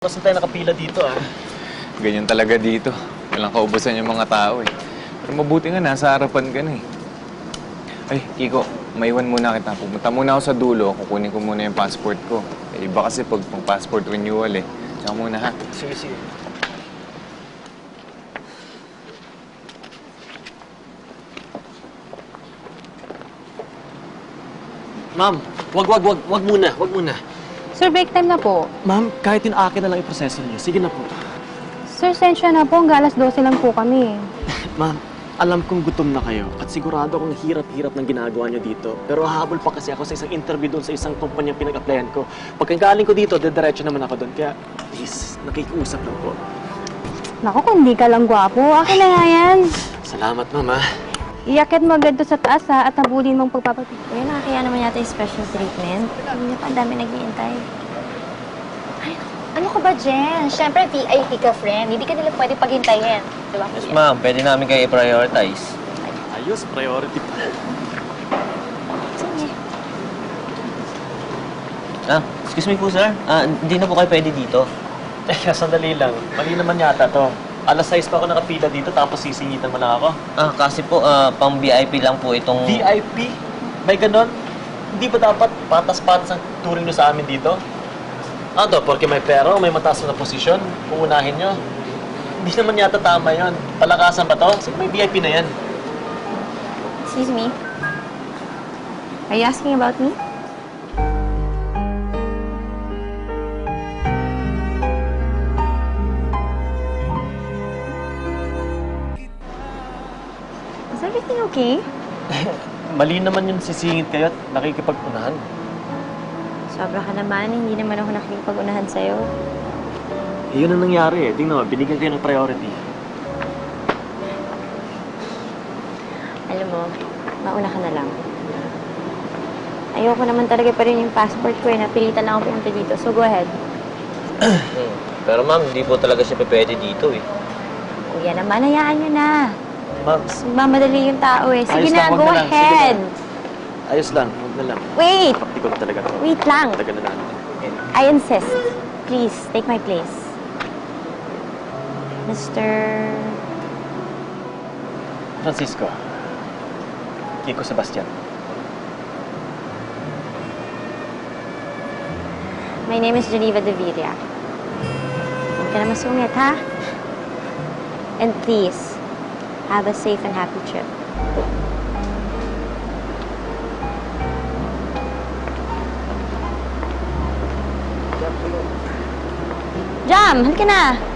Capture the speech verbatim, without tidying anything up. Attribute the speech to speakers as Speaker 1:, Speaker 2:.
Speaker 1: Basta tayo nakapila dito, ah.
Speaker 2: Ganyan talaga dito. Walang kaubusan yung mga tao, eh. Pero mabuti nga, nasa harapan ka na, eh. Ay, Kiko, maiwan muna kita. Pumunta muna ako sa dulo. Kukunin ko muna yung passport ko. Eh, iba kasi pag pang passport renewal, eh. Tsaka muna, ha?
Speaker 1: Sige, sige. Ma'am, wag, wag, wag, wag muna, wag muna.
Speaker 3: Sir, break time na po.
Speaker 1: Ma'am, kahit yung akin na lang iproseso niyo. Sige na po.
Speaker 3: Sir, sensya na po. Hanggang alas dose lang po kami.
Speaker 1: Ma'am, alam kong gutom na kayo at sigurado akong hirap-hirap ng ginagawa niyo dito. Pero hahabol pa kasi ako sa isang interview doon sa isang kumpanyang pinag-applyan ko. Pagkagaling ko dito, dediretso naman ako doon. Kaya, please, nakikiusap lang po.
Speaker 3: Naku, kung di ka lang gwapo, akin na nga yan.
Speaker 1: Salamat, ma'am, ha?
Speaker 3: Iakit mo agad to sa taas, ha, at habulin mong pagpapapit.
Speaker 4: Kuya, nakakaya naman yata yung special treatment. Hindi pa, ang dami nag-iintay. Ay, ano ka ba, Jen? Siyempre, V I P ka, friend. Hindi ka nila pwede paghintayin. Di ba?
Speaker 5: Yes, ma'am. Pwede namin kayo i-prioritize.
Speaker 1: Ayos, priority pa.
Speaker 4: Sige.
Speaker 5: Ah, excuse me po, sir. Ah, hindi na po kayo pwede dito.
Speaker 1: Teka, sandali lang. Mali naman yata to. Alas sais pa ako nakapila dito tapos sisingitan mo lang ako.
Speaker 5: Ah, kasi po, ah, pang V I P lang po itong...
Speaker 1: V I P? May ganon? Hindi ba dapat patas-patas ang turing nyo sa amin dito? Ano to, porque may pera o may mataas na posisyon, uunahin nyo? Hindi naman yata tama yon. Palakasan ba to? Sige, may V I P na yan.
Speaker 4: Excuse me. Are you asking about me? Is everything okay?
Speaker 1: Mali naman yung sisingit kayo at nakikipagpunahan.
Speaker 4: Sobra ka naman. Hindi naman ako nakikipag-unahan sa'yo.
Speaker 1: Eh, yun ang nangyari eh. Tingnan mo, binigyan kayo ng priority.
Speaker 4: Alam mo, mauna ka na lang. Ayoko naman talaga pa rin yung passport ko eh. Napilitan lang ako pumunta dito. So, go ahead.
Speaker 5: Hmm. Pero ma'am, hindi po talaga siya pwede dito eh.
Speaker 4: Kuya naman, hayaan nyo na.
Speaker 1: Ma'am,
Speaker 4: Mamadali yung tao eh. Sige
Speaker 1: ayos
Speaker 4: na,
Speaker 1: lang, wag
Speaker 4: go
Speaker 1: na lang. Sige
Speaker 4: ahead.
Speaker 1: na. Ayos lang, huwag na lang.
Speaker 4: Wait!
Speaker 1: Pakti ko na talaga to.
Speaker 4: Wait lang.
Speaker 1: Tagal na natin.
Speaker 4: I insist. Please, take my place. Mister...
Speaker 1: Francisco. Kiko Sebastian.
Speaker 4: My name is Geneva De Villa. Huwag ka na masungit, ha? And please, have a safe and happy trip. Jam, halika na.